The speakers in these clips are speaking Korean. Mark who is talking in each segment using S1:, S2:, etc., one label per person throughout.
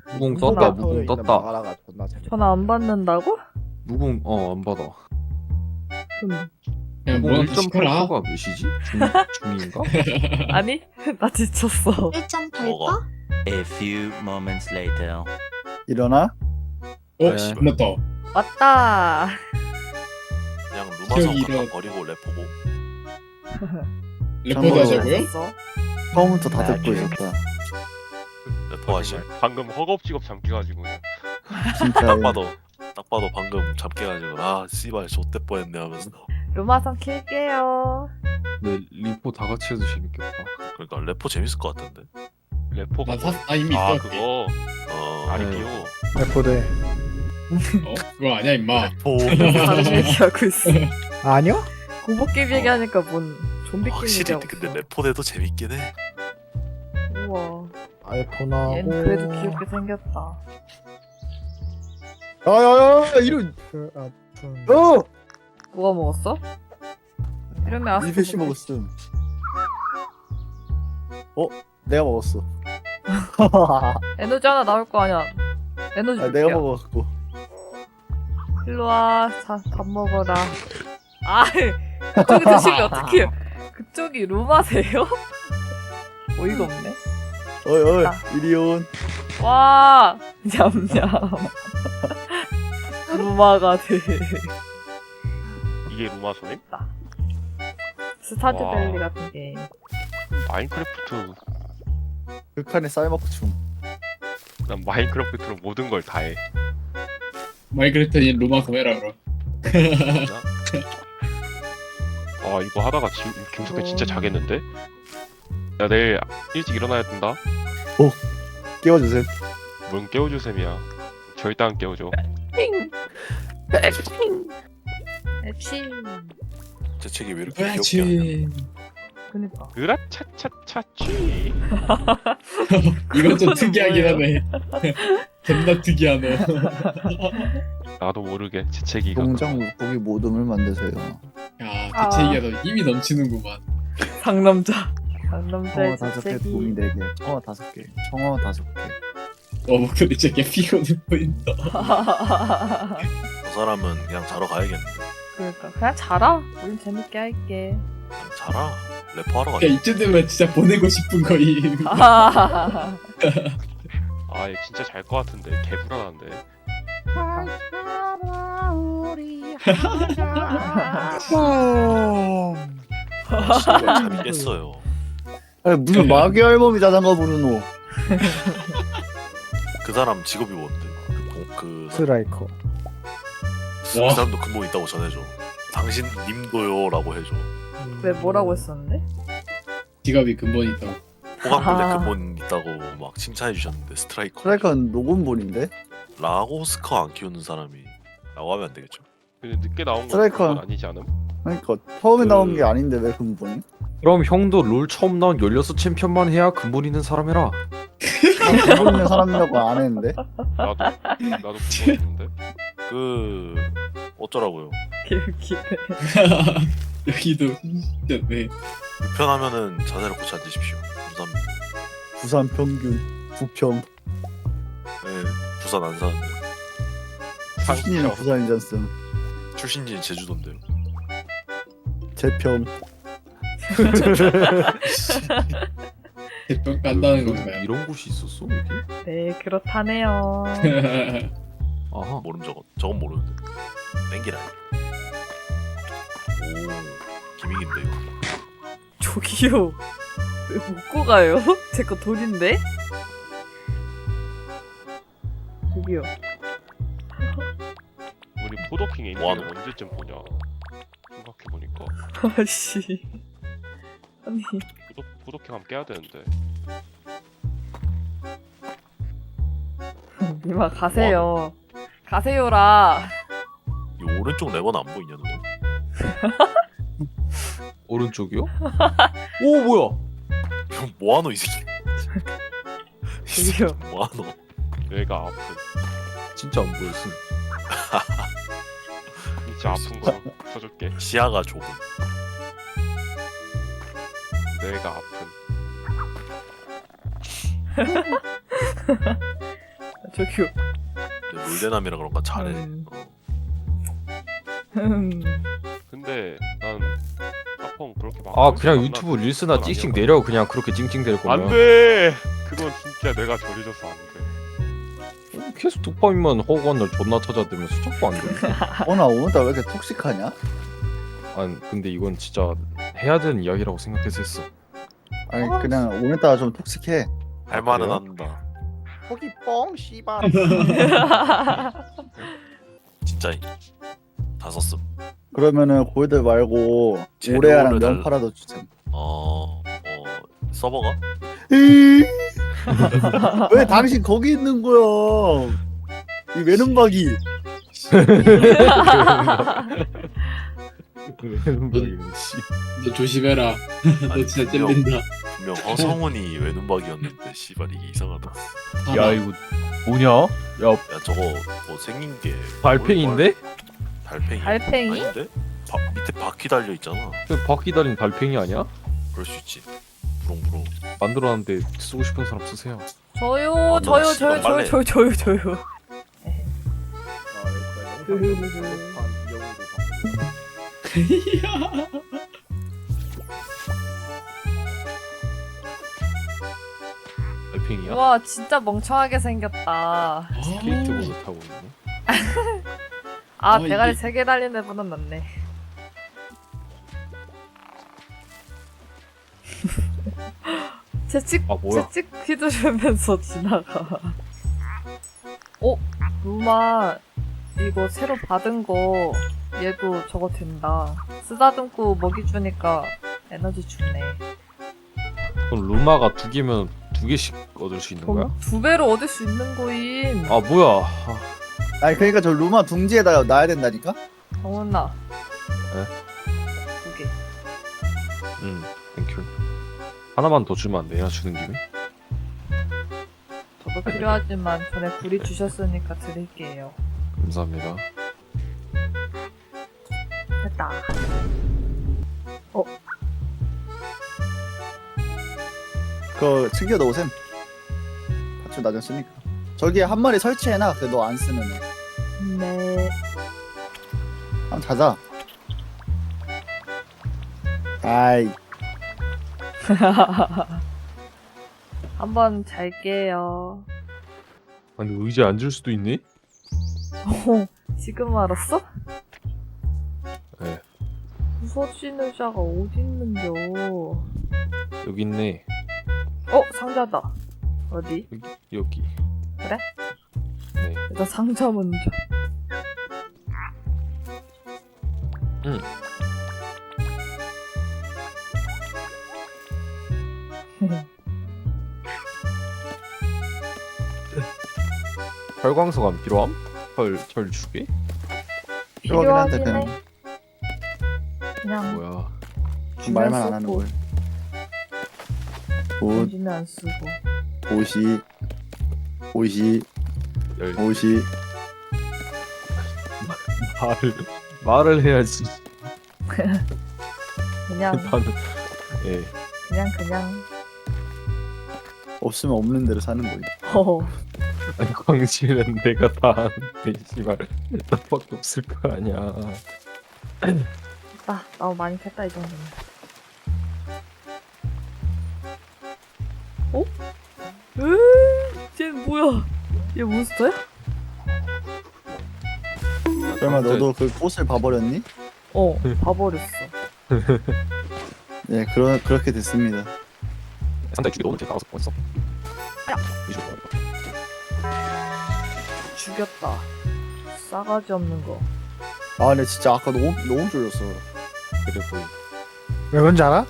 S1: 무궁 떴다. 무궁 떴다.
S2: 마라가 존나 재밌다.
S3: 전화 안 받는다고?
S1: 무궁 안 받아.
S4: 야,
S1: 무궁
S4: 뭐한테 시켜라.
S1: 1.8%가 몇이지? 중인가?
S3: 아니 나 지쳤어.
S5: 1.8%?
S6: A few moments later.
S2: 일어나?
S1: 네.
S4: 씨, 끝났다.
S3: 왔다.
S7: 그냥 루마성
S4: 기억이
S7: 갖다
S4: 이런-
S7: 버리고 래퍼고.
S4: 레포드 하자고요?
S3: 있어.
S2: 처음부터 다 듣고 있었다.
S7: 래퍼 하시.
S8: 방금 허겁지겁 잠겨가지고 그냥.
S2: 진짜.
S7: 딱 봐도 방금 잡혀가지고 아 씨발 좆대 뻔했네 하면서.
S3: 루마선 킬게요.
S1: 네, 리포 다 같이 해도 재밌겠다.
S7: 그러니까 래퍼 재밌을 것 같은데.
S8: 래퍼가
S4: 나 이미
S8: 아
S4: 있어.
S8: 그거 아리비오.
S2: 레포대.
S4: 그거 아니야 임마.
S7: 래퍼.
S3: 다른 얘기하고 있어.
S2: 아니요?
S3: 공복 게임 얘기하니까 뭔 좀비 게임
S7: 확실히
S3: 얘기하고
S7: 근데
S3: 있어.
S7: 래퍼대도 재밌긴 해.
S3: 우와.
S2: 아이폰하고.
S3: 얘는 그래도 귀엽게 생겼다.
S2: 야야야 이런.
S3: 뭐가 먹었어? 이러면 아스.
S2: 리페시 먹었음. 내가 먹었어.
S3: 에너지 하나 나올 거 아니야. 에너지 줄게요.
S2: 내가 먹었고.
S3: 일로 와. 자, 밥 먹어라. 아, 그쪽이 드시면 어떡해요? 그쪽이 루마세요? 어이가 없네.
S2: 어이
S3: 아.
S2: 이리 온.
S3: 와, 냠냠. 루마가 돼.
S8: 이게 루마소님?
S3: 스타드밸리
S8: 와.
S3: 같은 게임.
S8: 마인크래프트.
S2: 극한의 쌀먹충.
S8: 난 마인크래프트로 모든 걸 다 해.
S4: 마이크래프트니 루마서 해라 그럼.
S8: 아 이거 하다가 김석현 진짜 자겠는데? 야 내일 일찍 일어나야 된다.
S2: 깨워주세요.
S8: 뭔 깨워줄 셈이야. 절대 안 깨워줘.
S3: 앱시.
S7: 재채기 왜 이렇게 귀엽게 하냐.
S4: 그렇지.
S3: 그니까.
S8: 으라차차차취.
S4: 이건 좀 특이하긴 하네. 존나 특이하네.
S8: 나도 모르게 재채기가.
S2: 동장 물고기 모듬을 만드세요.
S4: 야, 대체기가 더 힘이 넘치는구만.
S3: 상남자. 상남자의
S2: 청어 5개,
S3: 재채기.
S2: 도미 4개, 청어 5개, 청어 5개.
S4: 목소리 되게 피곤해 보인다.
S7: 저 사람은 그냥 자러 가야겠는데.
S3: 그러니까 그냥 자라. 우린 재밌게 할게.
S7: 그냥 자라. 래퍼 하러
S4: 야,
S7: 가자.
S4: 이쯤 되면 진짜 보내고 싶은 거임.
S8: 아 얘 진짜 잘 것 같은데 개 불안한데.
S7: 씨발 잠이 깼어요.
S2: 아니, 무슨 마귀 할멈이 자장가 부르노.
S7: 그 사람 직업이 뭔데? 그
S2: 스트라이커.
S4: 와,
S7: 사람도 근본 있다고 전해줘. 당신 님도요라고 해줘.
S3: 왜 뭐라고 했었는데?
S4: 직업이 근본이 있다고.
S7: 호감불에 근본 있다고 막 칭찬해 주셨는데 스트라이커.
S2: 스트라이커는 녹음본인데?
S7: 라고스커 안 키우는 사람이 라고 하면 안 되겠죠?
S8: 근데 늦게 나온 건
S2: 스트라이커.
S8: 그건 아니지 않음?
S2: 그러니까 처음에
S7: 그-
S2: 나온 게 아닌데 왜 근본이?
S1: 그럼 형도 롤 처음 나온 16 챔피언만 해야 근본 있는 사람 해라.
S2: 근본 있는 사람이라고 안 했는데?
S8: 나도 근본 있는데.
S7: 그 어쩌라고요?
S3: 개웃기네.
S4: 여기도 진짜네.
S7: 불편하면은 자세를 고쳐 앉으십시오. 감사합니다.
S2: 부산 평균, 부평.
S7: 네, 부산 안 사는데
S2: 출신이는 부산이잖음.
S7: 출신지 제주도인데요.
S2: 재평.
S4: 대평 간다는
S1: 여기
S4: 건가요?
S1: 이런 곳이 있었어 여기?
S3: 네, 그렇다네요.
S1: 아하.
S7: 모름 저건 모르는데. 땡기라. 오 기믹인데 이거.
S3: 저기요. 왜 묶고 가요? 제 거 돈인데? 저기요.
S8: 우리 포도킹 엔딩
S7: 뭐하노?
S8: 언제쯤 보냐? 생각해보니까
S3: 아씨. 아니,
S8: 포도킹 하면 깨야 되는데.
S3: 니마 가세요. 가세요라.
S7: 이 오른쪽 레버는 안 보이냐 너?
S1: 오른쪽이요? 오 뭐야?
S7: 형 뭐하노 이 새끼? 이 새끼
S3: 저기요.
S7: 뭐하노?
S8: 뇌가 아픈.
S1: 진짜 안 보였음.
S8: 진짜 아픈 거 쳐줄게.
S7: 시야가 좁은.
S8: 뇌가 아픈.
S3: 저기요.
S7: 물대남이라 그런가 잘해.
S3: 음.
S8: 근데 난 아펑 그렇게 막.
S1: 아 그냥 유튜브 릴스나 찡찡 내려 그냥 그렇게 찡찡댈 거면.
S8: 안돼. 그건 진짜 내가 저리져서 안 돼.
S1: 계속 독파민만 허구한 날 존나 찾아대면서 자꾸 안 돼.
S2: 어나 오늘따라 왜 이렇게 톡식하냐?
S1: 아니 근데 이건 진짜 해야 되는 이야기라고 생각해서 했어.
S2: 아니 그냥 오늘따라 좀 톡식해.
S7: 할 말은
S1: 그래요?
S7: 한다.
S1: 거기 뻥 씨발.
S7: 진짜 다 썼음.
S2: 그러면은 골드 말고
S7: 재료를
S2: 오레아랑
S7: 달-
S2: 명파라도 주자.
S7: 서버가?
S2: 왜 당신 거기 있는 거야? 이 외눈박이.
S4: 너 조심해라. 너 진짜 잼된다.
S7: 분명 허성훈이 외눈박이었는데 씨발 이게 이상하다.
S1: 야 이거 뭐냐? 야
S7: 야 저거 뭐 생긴 게
S1: 달팽인데?
S7: 달팽이?
S3: 달팽이?
S7: 아닌데? 밑에 바퀴 달려 있잖아.
S1: 바퀴 달린 달팽이 아니야?
S7: 그럴 수 있지. 부릉부릉.
S1: 만들어놨는데 쓰고 싶은 사람 쓰세요.
S3: 저요,
S7: 아,
S3: 저요,
S7: 너
S3: 저요,
S7: 씨발
S3: 저요,
S7: 빨래.
S3: 저요.
S1: 달팽이야?
S3: 와, 진짜 멍청하게 생겼다.
S1: 스케이트보드 타고 있네.
S3: 아,
S4: 아,
S3: 대가리
S4: 이게-
S3: 3개 달린 애보다 낫네. 채찍,
S1: 아, 뭐야?
S3: 채찍 휘두르면서 지나가. 루마, 이거 새로 받은 거, 얘도 저거 된다. 쓰다듬고 먹이 주니까 에너지 주네.
S1: 그럼 루마가 2개면 2개씩 얻을 수 있는 거야?
S3: 그럼 2배로 얻을 수 있는 거임.
S1: 아 뭐야?
S2: 아니 그러니까 저 루마 둥지에다가 놔야 된다니까?
S3: 정훈아.
S1: 네?
S3: 2개.
S1: 땡큐. 하나만 더 주면 안 되냐? 주는 김에?
S3: 저도 필요하지만 전에 불이 주셨으니까 드릴게요.
S1: 감사합니다.
S3: 됐다.
S2: 그거 챙겨 넣으셈. 같이 나중 쓰니까. 저기에 한 마리 설치해놔. 그 너 안 쓰면 해.
S3: 네.
S2: 한번 자자. 아이
S3: 한번 잘게요.
S1: 아니 의자에 앉을 수도 있네?
S3: 지금 알았어?
S1: 네.
S3: 부서진 의자가 어디 있는겨?
S1: 여기 있네.
S3: 상자다. 어디?
S1: 여기.
S3: 그래?
S1: 네.
S3: 일단 상자 먼저.
S1: 응. 철광석안 필요함? 철 주게?
S2: 필요하긴 한데
S3: 필요하긴
S2: 그냥
S3: 해. 그냥
S1: 뭐야?
S2: 말만 안 하는 걸. 옷,
S3: 정신을 안 쓰고.
S2: 옷이
S1: 열 말을 해야지.
S3: 그냥
S1: 나는 예.
S3: 그냥.
S2: 없으면 없는 대로 사는 거지.
S1: 아니 광실은 내가 다 아는데 씨발 나밖에 없을 거 아니야.
S3: 나 많이 캤다 이 정도면. 쟤 뭐야? 얘 몬스터야?
S2: 그러면 너도 그 꽃을 봐버렸니?
S3: 봐버렸어.
S2: 네, 그렇게 됐습니다.
S1: 상당히 죽이 너무 나가서 어딨어?
S3: 죽였다. 싸가지 없는 거.
S2: 아, 근데 진짜 아까 너무 졸렸어.
S1: 그래 보이.
S5: 왜 그런지 알아?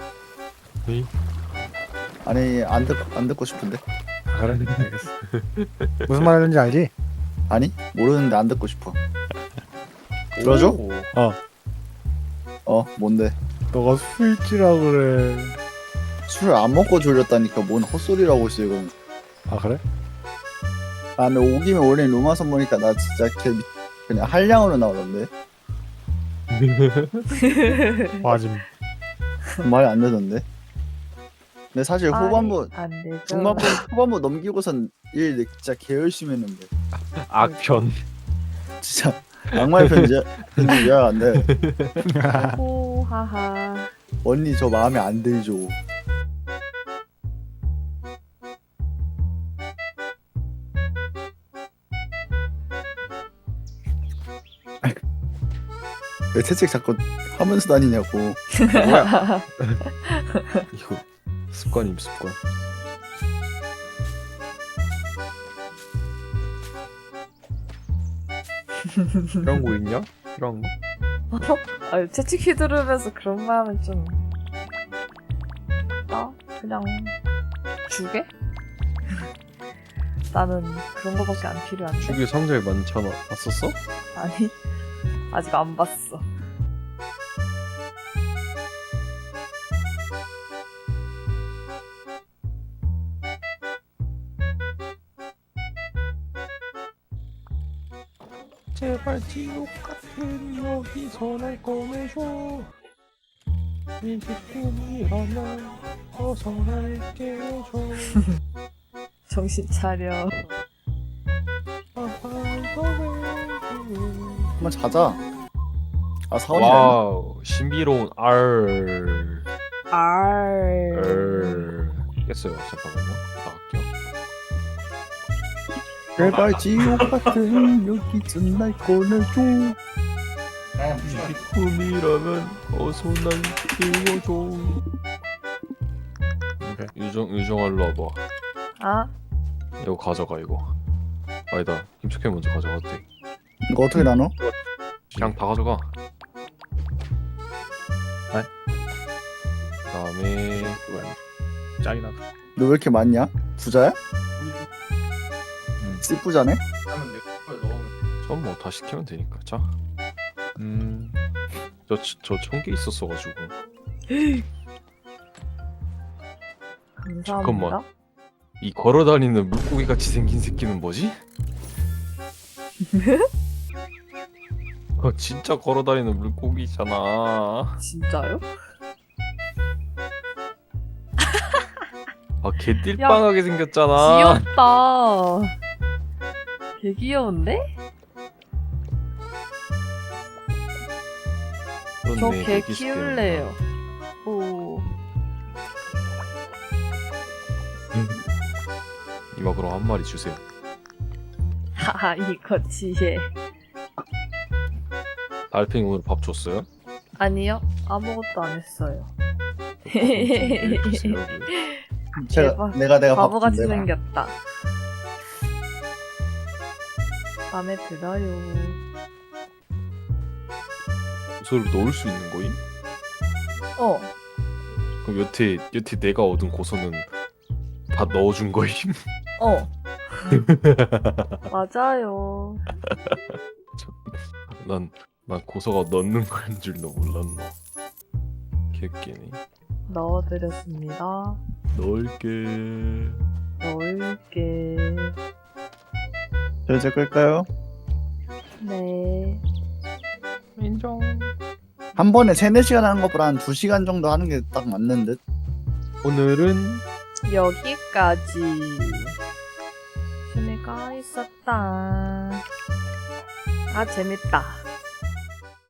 S2: 아니 안 듣고 싶은데.
S5: 그래 알겠어. 무슨 말 하는지 알지?
S2: 아니 모르는데 안 듣고 싶어. 들어줘? 뭔데?
S5: 너가 술지라 그래.
S2: 술을 안 먹고 졸렸다니까 뭔 헛소리라고 있어 이건.
S5: 아 그래?
S2: 아 근데 오기면 원래 루마선 보니까 나 진짜 그냥 한량으로 나오던데.
S5: 맞음.
S2: 말이 안 되던데. 근데 사실 후반부
S3: 안 되죠.
S2: 중반부 후반부 넘기고선 일 진짜 개 열심히 했는데
S1: 악편.
S2: 진짜 악마의 편지야 안돼.
S3: 호하하.
S2: 언니 저 마음에 안 들죠. 왜 채찍 자꾸 하면서 다니냐고.
S1: 뭐야? 이거 습관임 습관. 이런 거 있냐? 이런 거?
S3: 아, 채찍 휘두르면서 그런 말 하면 좀. 그냥 주게? 나는 그런 거밖에 안 필요한데.
S1: 주기 상자에 많잖아. 봤었어?
S3: 아니, 아직 안 봤어.
S1: 제발 지옥 같은 여기서 날 꺼내줘. 미식품이라면 어서 날 깨워줘.
S3: 정신 차려.
S2: 한번 자자. 아 사원이 아니야?
S1: 와우 신비로운 R. 깼어요. 잠깐만요. 나갈게요.
S2: 제발 지옥 같은 여기서 날 꺼내줘.
S1: 미식품이라면 어서 날 깨워줘. 유정알로 와봐.
S3: 아?
S1: 이거 가져가 이거. 아니다. 김숙현 먼저 가져갔대.
S2: 이거 어떻게 나눠?
S1: 그냥 다 가져가. 그다음에
S5: 짱이나.
S2: 너 왜 이렇게 많냐? 부자야?
S1: 음.
S2: 씨부자네?
S1: 전 뭐 다 시키면 되니까. 자. 저 1000개 있었어가지고.
S3: 감사합니다.
S1: 잠깐만. 이 걸어다니는 물고기 같이 생긴 새끼는 뭐지? 진짜 걸어다니는 물고기잖아.
S3: 진짜요?
S1: 개띨빵하게 생겼잖아.
S3: 귀엽다. 개 귀여운데? 저
S1: 그렇네,
S3: 개
S1: 되게
S3: 키울래요. 오.
S1: 이마 그럼 한 마리 주세요.
S3: 하하, 이거 지혜.
S1: 달팽이 오늘 밥 줬어요?
S3: 아니요, 아무것도 안 했어요.
S1: 좀 주세요.
S2: 제가
S3: 대박.
S2: 내가 밥
S3: 바보같이
S2: 준대.
S3: 생겼다. 마음에 들어요.
S1: 고소를 넣을 수 있는 거임?
S3: 어,
S1: 그럼 여태 내가 얻은 고소는 다 넣어준 거임?
S3: 어. 맞아요.
S1: 난 고소가 넣는 거인 줄도 몰랐나. 개웃기네.
S3: 넣어드렸습니다.
S1: 넣을게.
S3: 넣을게.
S2: 저 이제 끌까요?
S3: 네.
S1: 인정.
S2: 한 번에 3-4시간 하는 것보다 한 2시간 정도 하는 게 딱 맞는 듯.
S1: 오늘은
S3: 여기까지. 재미가 있었다. 아, 재밌다.